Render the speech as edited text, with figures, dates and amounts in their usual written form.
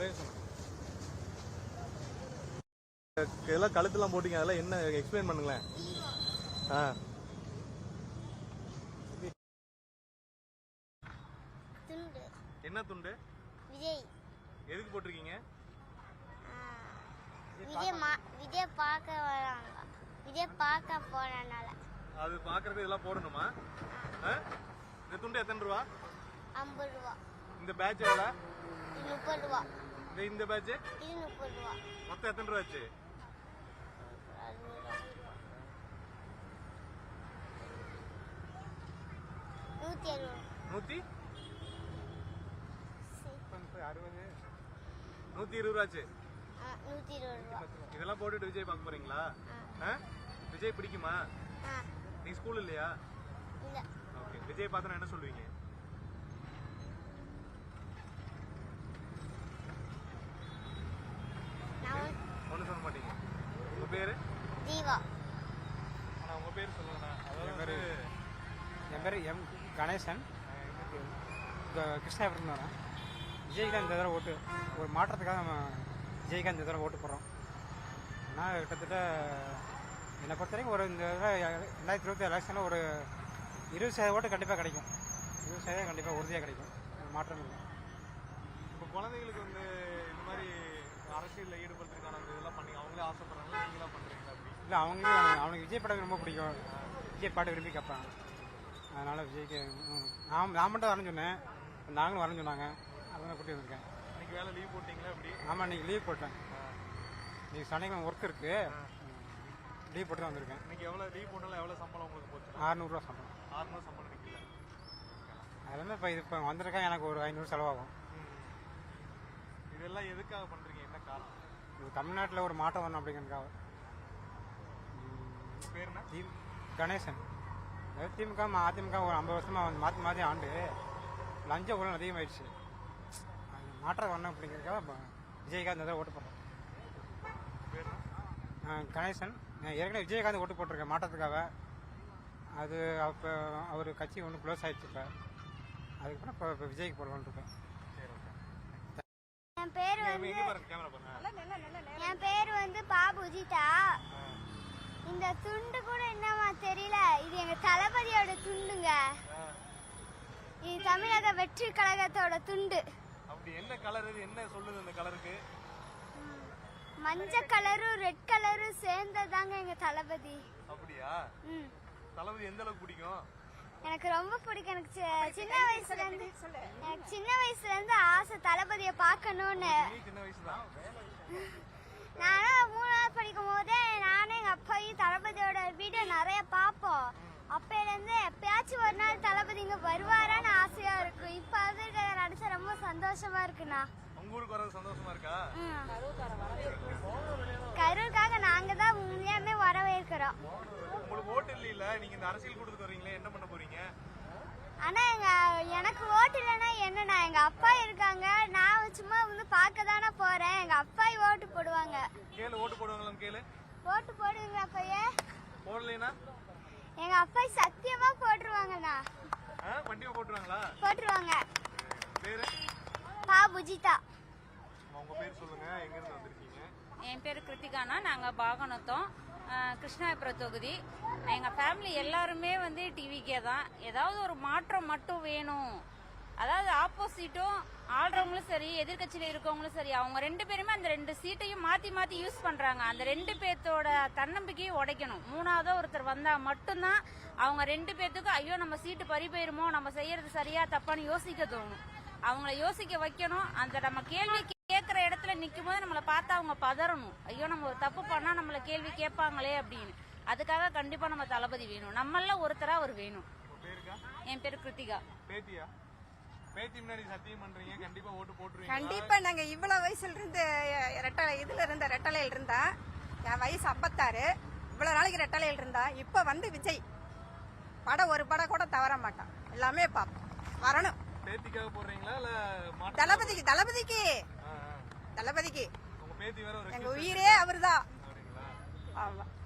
ஒரே இதெல்லாம் கழுத்துலாம் போட்டீங்க, அதெல்லாம் என்ன எக்ஸ்பிளைன் பண்ணுங்களேன். என்ன துண்டு? விஜய். எதுக்கு போட்டிருக்கீங்க? விஜய் பார்க்க வராங்க. விஜய் பார்க்க போறனால. அது பார்க்கறது இதெல்லாம் போடணுமா? இந்த துண்டு எத்தனை ரூபா? 50 ரூபா. இந்த பேட்ச் எவ்வளவு? 30 ரூபா. இந்த பேட்ச்? இது 30 ரூபா. மொத்தம் எத்தனை ரூபா ஆச்சு? 160 ரூபா ஆச்சு. 120 ரூபா. இதெல்லாம் போட்டுட்டு விஜய் பார்க்க போறீங்களா? விஜய் பிடிக்குமா? நீ ஸ்கூல் இல்லையா? இல்ல. ஓகே. விஜய் பார்த்தா என்ன சொல்லுவீங்க? ஒண்ணு சொல்ல மாட்டீங்க. உங்க பேரு? ஜீவா. ஆனா உங்க பேர் சொல்லுங்க. என் பேர் எம் கணேசன். கிருஷ்ணாபுரம் வரேன். விஜய்காந்த் இந்த தடவை ஓட்டு ஒரு மாற்றத்துக்காக நம்ம விஜய்காந்த் இந்த தடவை ஓட்டு போடுறோம். ஆனால் கிட்டத்தட்ட என்னை பொறுத்த வரைக்கும் ஒரு இந்த தடவை 2027 எலெக்ஷனில் ஒரு 20% ஓட்டு கண்டிப்பாக கிடைக்கும். 20% கண்டிப்பாக உறுதியாக கிடைக்கும். மாற்றம் இல்லை. இப்போ குழந்தைகளுக்கு இந்த மாதிரி அரசியலில் ஈடுபடுறதுக்கான இதெல்லாம் பண்ணி அவங்களே ஆசைப்படுறாங்களா, நீங்களாம் பண்ணுறீங்களா? அப்படி இல்லை, அவனுக்கு விஜய் படம் ரொம்ப பிடிக்கும். விஜய் பாட்டு விரும்பி கேட்பாங்க. அதனால் விஜய்க்கு நான் மட்டும் வரேன்னு சொன்னேன். நாங்களும் வரேன்னு சொன்னாங்க. அதெல்லாம் கூட்டி வந்திருக்கேன். இன்னைக்கு வேலை லீவ் போட்டிங்களா? அப்படி? ஆமாம், இன்னைக்கு லீவ் போட்டேன். இன்னைக்கு சனிக்கிழமை ஒர்க் இருக்கு, லீவ் போட்டு தான் வந்திருக்கேன். இன்னைக்கு எவ்வளோ லீவ் போட்டாலும் எவ்வளோ சம்பளம் உங்களுக்கு போச்சு? 600 ரூபா சம்பளம். 600 சம்பளம் நிற்கல. அதுலேருந்து இப்போ வந்திருக்கேன். எனக்கு ஒரு 500 செலவாகும். இதெல்லாம் எதுக்காக பண்ணுறீங்க? என்ன காரணம்? இது தமிழ்நாட்டில் ஒரு மாற்றம் வரணும் அப்படிங்கிறதுக்காக. பேர் என்ன? கணேசன். அதாவது திமுக அதிமுக ஒரு 50 வருஷமாக மாற்றி மாற்றி ஆண்டு லஞ்ச ஊழல் அதிகமாகிடுச்சு. மாற்றம் வரணும் அப்படிங்கிறதுக்காக விஜயகாந்த் தான் ஓட்டு போடுறேன். கணேசன். நான் ஏற்கனவே விஜயகாந்த் ஓட்டு போட்டிருக்கேன் மாற்றத்துக்காக. அது அப்போ அவர் கட்சி ஒன்று க்ளோஸ் ஆகிடுச்சு. இப்போ அதுக்கப்புறம் இப்போ விஜய்க்கு போடலான்னு இருக்கேன். என் பேர் வந்து பாபுஜிதா. இந்த துண்டு கூட என்னமா தெரியல, இது எங்க தளபதியோட துண்டுங்க. இது தமிழக வெற்றி கழகத்தோட துண்டு. அப்படி என்ன கலர்? இது என்ன சொல்லுது அந்த கலருக்கு? மஞ்சள் கலரும் ரெட் கலரும் சேர்ந்ததாங்க எங்க தளபதி. அப்படியா? தளபதி எந்த அளவுக்கு பிடிக்கும்? எனக்கு ரொம்ப பிடிக்கும். எனக்கு சின்ன வயசுல இருந்து ஆசை தளபதியை பார்க்கணும்னு. சின்ன வயசுதான். நானும் 3ஆவது படிக்கும் போதே நானும் எங்க அப்பாவும் தளபதியோட வீடியோ நிறைய பார்ப்போம். அப்பையில இருந்து எப்பயாச்சும் ஒரு நாள் தளபதி இங்க வருவாரான்னு ஆசையா இருக்கும். இப்ப அது நடிச்சா ரொம்ப சந்தோஷமா இருக்குண்ணா. உங்க ஊருக்கு வரது சந்தோஷமா இருக்கா? கரூருக்காக நாங்க தான் உண்மையாமே வரவேற்கிறோம். உங்களுக்கு ஓட்டு இல்ல, நீங்க இந்த அரசியல் கூட்டத்துக்கு வரீங்களே, என்ன பண்ண போறீங்க? ஆனா எனக்கு ஓட்டு இல்லைன்னா என்னண்ணா, எங்க அப்பா இருக்காங்க. நான் சும்மா வந்து பார்க்க தானே போறேன். எங்க அப்பா ஓட்டு போடுவாங்க. கேளு, ஓட்டு போடுவாங்களாம் கேளு. ஓட்டு போடுவீங்களா அப்பையே? போடலைனா எங்க அப்பா சத்தியமா போட்டுருவாங்கண்ணா. கண்டிப்பா போட்டுருவாங்களா? போட்டுருவாங்க. பேரு? பாபுஜிதா. உங்க பேர் சொல்லுங்க, எங்க இருந்து வந்திருக்கீங்க? என் பேரு கிருத்திகானா. நாங்க பாகனத்தோம், கிருஷ்ணாபுரம் தொகுதி. எங்க ஃபேமிலி எல்லாருமே வந்து டிவிக்கே தான். ஏதாவது ஒரு மாற்றம் மட்டும் வேணும். அதாவது ஆப்போசிட்டும் ஆள்றவங்களும் சரி, எதிர்கட்சியில இருக்கவங்களும் சரி, அவங்க 2 பேருமே அந்த 2 சீட்டையும் மாத்தி மாத்தி யூஸ் பண்றாங்க. அந்த 2 பேர்த்தோட தன்னம்பிக்கையும் உடைக்கணும். 3ஆவதா ஒருத்தர் வந்தா மட்டும்தான் அவங்க 2 பேர்த்துக்கும் ஐயோ நம்ம சீட்டு பறி போயிருமோ, நம்ம செய்யறது சரியா தப்பான்னு யோசிக்க தோணும். அவங்கள யோசிக்க வைக்கணும். அந்த நம்ம கேள்வி கேட்கிற இடத்துல நிற்கும் போது நம்மளை பார்த்தா அவங்க பதறணும். ஐயோ நம்ம ஒரு தப்பு பண்ணா நம்மள கேள்வி கேட்பாங்களே அப்படின்னு. அதுக்காக கண்டிப்பா நம்ம தளபதி வேணும். நம்மள ஒருத்தரா அவர் வேணும். என் பேரு கிருத்திகா. பேத்தி முன்னாடி சத்தியம் பண்றீங்க, கண்டிப்பா ஓட்டு போட்டுருவீங்க? கண்டிப்பா. நாங்க இவ்வளவு வயசுல இருந்து ரெட்டலையில் இருந்தா, என் வயசு 56. இவ்வளவு நாளைக்கு ரெட்டலையில் இருந்தா, இப்ப வந்து விஜய் ஒரு படம் கூட தவற மாட்டான். எல்லாமே பாப்போம். வரணும். பேத்திக்காக போடுறீங்களா இல்ல தளபதிக்கு? தளபதிக்கு. உங்க பேத்தி வேற எங்க உயிரே அவர்தான். அப்படிங்களா? ஆமா.